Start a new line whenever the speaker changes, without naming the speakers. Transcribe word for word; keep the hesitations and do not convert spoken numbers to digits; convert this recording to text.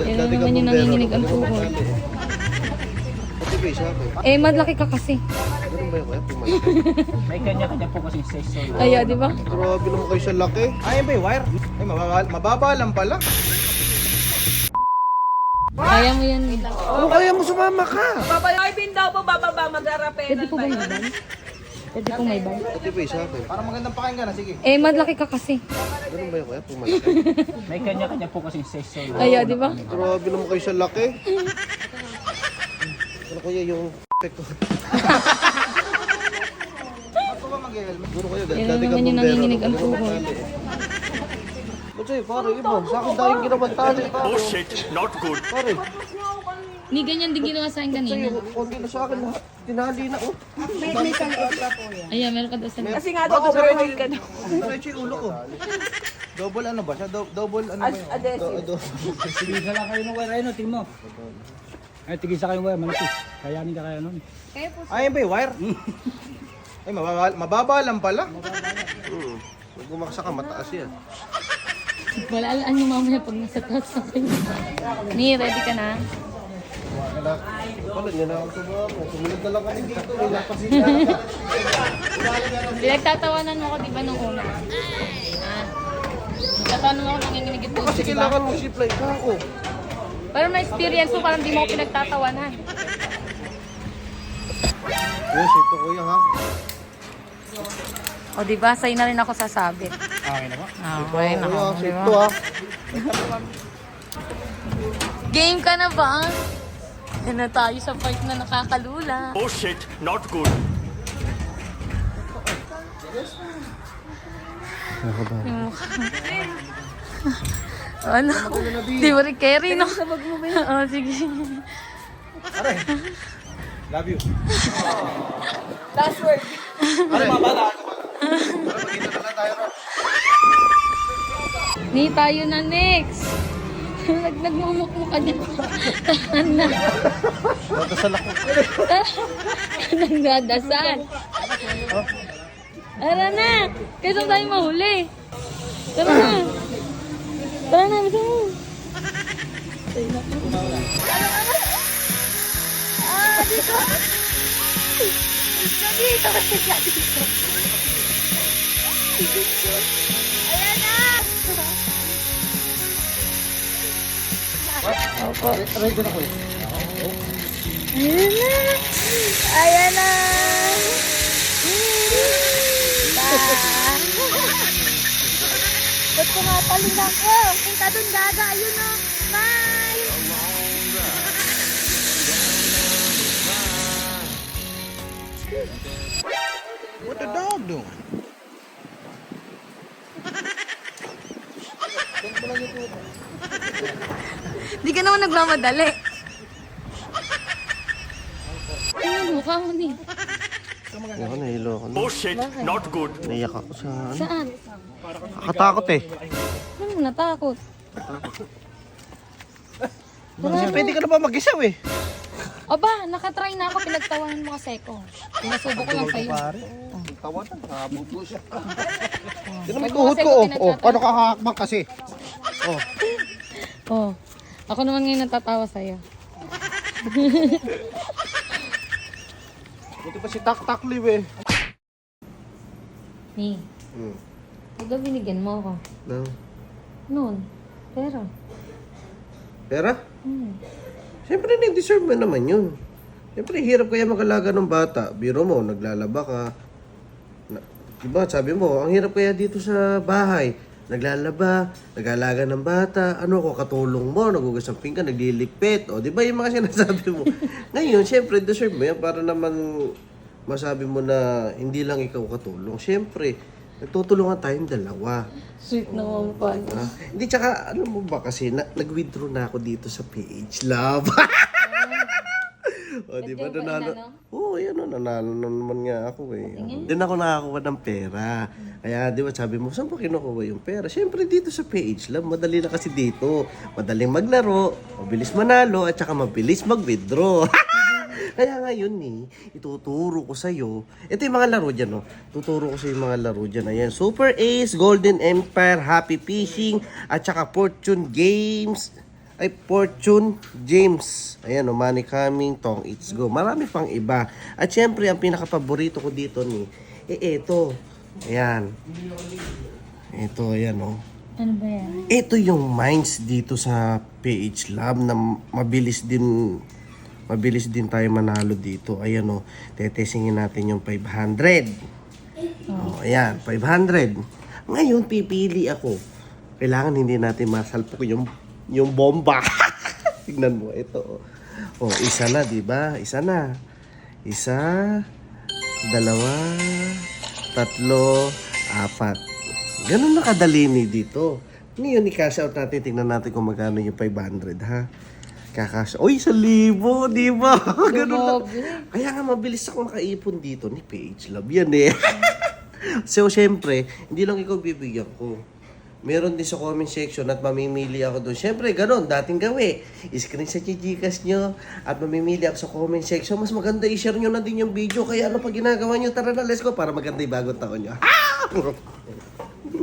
Yan na naman yung nanginginig ang tuhod.
Pati ba isa ako?
Eh, madlaki ka kasi.
Ganun ba yung kaya? Pumalaki.
May kanya-kanya po kasi size.
Kaya, di ba?
Grabe naman kayo sa laki.
Ayun ba yung wire? Ay, mababa, mababa lang pala.
Kaya mo yan.
Ano kaya mo sumama ka?
Babay bin daw po, bababa, mag-arape.
Pwede po ba may ban? Pwede po may ban?
Pati ba isa ako?
Para magandang pakinggan na, sige.
Eh, madlaki ka kasi.
Ganun ba yung kaya? Pumalaki.
May kanya-kanya po kasi size.
Kaya, di ba?
Grabe naman kayo sa laki. Ano kaya yung p*** ko?
Ako ba mag-helmet?
Siguro kayo,
Yan na
dati ka
naman yung
bumbero.
nanginginig ang
Ganun
tuhod.
tali eh. Ba't sa'yo, pare, iba. Sa akin dahil ginawang tali, pare.
Oh shit, not good.
Pare,
Ni ganyan din ginawa sa akin kanina.
sa'yo, konti na sa akin lahat. Tinali na, oh.
Ayan, meron ka daw sa...
Kasi nga daw, overload ka daw.
Diretso yung ulo ko. Double ano ba siya? Do- double ano ba yun?
Adhesive.
Do- do-
Tigisa lang kayo ng wire, ayun, tingin mo. Ay, tigisa kayo ng wire, malapit. Kayanin ka kaya nun.
Ayun ba yung wire? Ay, mababa, mababa lang pala.
Hmm. Pag bumaksa ka, mataas yan.
Malalaan nyo mamaya pag nasa taas na kayo. Ni, ready ka na?
Pala, yan na ako sa mga. Sumunod na lang kami dito. May napasita ka.
Pinagtatawanan mo ako, di ba, nung una? Ah. Nagtatawanan mo ako, nanginginig ito,
Kasi
di ba?
kailangan mo supply ka ako.
Pero may experience mo, parang di mo ako pinagtatawanan.
Yes, ito kuya ha.
O, di ba? Sa'yo na rin ako sasabit.
Okay na ba?
Okay na
Kuya,
ako, di
safe
ba?
to ha.
Game ka na ba? Yan na tayo sa part na nakakalula.
Oh shit, not good.
Yung mukha. Ano? Di mo rin carry, no? Oo, sige.
Love you.
Last word.
Ano mga bata?
Ni tayo na next. Nag nagmumukmuk ka niya. Tahan na.
Nadasal ako.
Nagdadasal. Tara na. Kaysa tayo mahuli. Tara na. Tara na. Bisa mo. Ah, dito. Dito, dito. Dito. Dito. Ayan na. Opo.
Ready na ko eh.
Ayan na. Ayan na. Ba't ko nga talin ako? Punta dun, gaga. Ayun na. Bye.
What the dog doing?
Di ka naman nagmamadali. Ano, mukha mo ni.
Ako, nahilo ako.
Oh shit, not good.
Naiyak ako sa ano.
Saan?
Nakatakot eh.
Ano mo natakot?
Pwede ka na ba mag-isaw eh?
Aba, nakatry na ako. Pinagtawanan mo kasi ko. Pinasubo ko lang sa'yo.
Tawa na, nakabuto siya.
Yun
Pag
ang tuhod
kasi
ko.
ko
Oh, oh,
pinagtatawa-
paano ka hakakbang kasi? Oh.
Oh. Ako naman ngayon natatawa sa'yo.
Buti pa si Tak Tak Liw eh.
Ni,
Hmm.
huwag daw binigyan mo ako.
No.
Noon. Pero,
Pera?
hmm.
Siyempre, na-deserve mo naman yun. Siyempre, hirap kaya mag-alaga ng bata. Biro mo, naglalaba ka. Na, diba, sabi mo, ang hirap kaya dito sa bahay. Naglalaba, nag-alaga ng bata. Ano ko, katulong mo, nagugas ng pinggan, naglilipit. O, di ba yung mga sinasabi mo? Ngayon, siyempre, deserve mo yan para naman masabi mo na hindi lang ikaw katulong. Siyempre, nagtutulungan tayong dalawa.
Sweet naman pa.
Ah, hindi, tsaka, alam mo ba kasi, na, nag-withdraw na ako dito sa P H Love. O, di ba,
Ba't yung
nanalo?
pa inano?
Oo, yan o, nanalo na naman nga ako eh. Doon ako nakakuha ng pera. Kaya, di ba, sabi mo, saan ba kinukuha yung pera? Siyempre, dito sa P H Love, madali na kasi dito. Madaling maglaro, mabilis manalo, at saka mabilis mag-withdraw. Kaya ngayon eh, ituturo ko sa'yo. Ito yung mga laro dyan, no? Tuturo ko sa'yo yung mga laro dyan. Ayan, Super Ace, Golden Empire, Happy Fishing, at saka Fortune Games. Ay, Fortune James. Ayan o, Money Coming, Tong It's Go. Marami pang iba. At syempre, ang pinaka-paborito ko dito ni, eh, eto. Ayan. Ito, ayan o.
Ano ba yan?
Ito yung mines dito sa P H Lab na mabilis din mabilis din tayo manalo dito. Ayan o, tetestingin natin yung five hundred. Oh, ayan, five hundred. Ngayon, pipili ako. Kailangan hindi natin masalpok yung yung bomba. Tignan mo, ito. Oh, isa na, di ba? Isa na. Isa, dalawa, tatlo, apat. Ganun na kadali ni dito. Ngayon, i-cash out natin. Tingnan natin kung magkano yung five hundred, ha? Kakash. Uy, sa libo, di ba? Ganun na. Kaya nga mabilis ako makaipon dito ni P H Love. Yan eh. So, syempre, hindi lang ikaw bibigyan ko. Meron din sa comment section at mamimili ako doon. Syempre, ganun, dating gawi. I-screenshot yung Gcash nyo at mamimili ako sa comment section. Mas maganda i-share nyo na din yung video. Kaya ano pa ginagawa nyo? Tara na, let's go para maganda yung bagong taon nyo. Ah!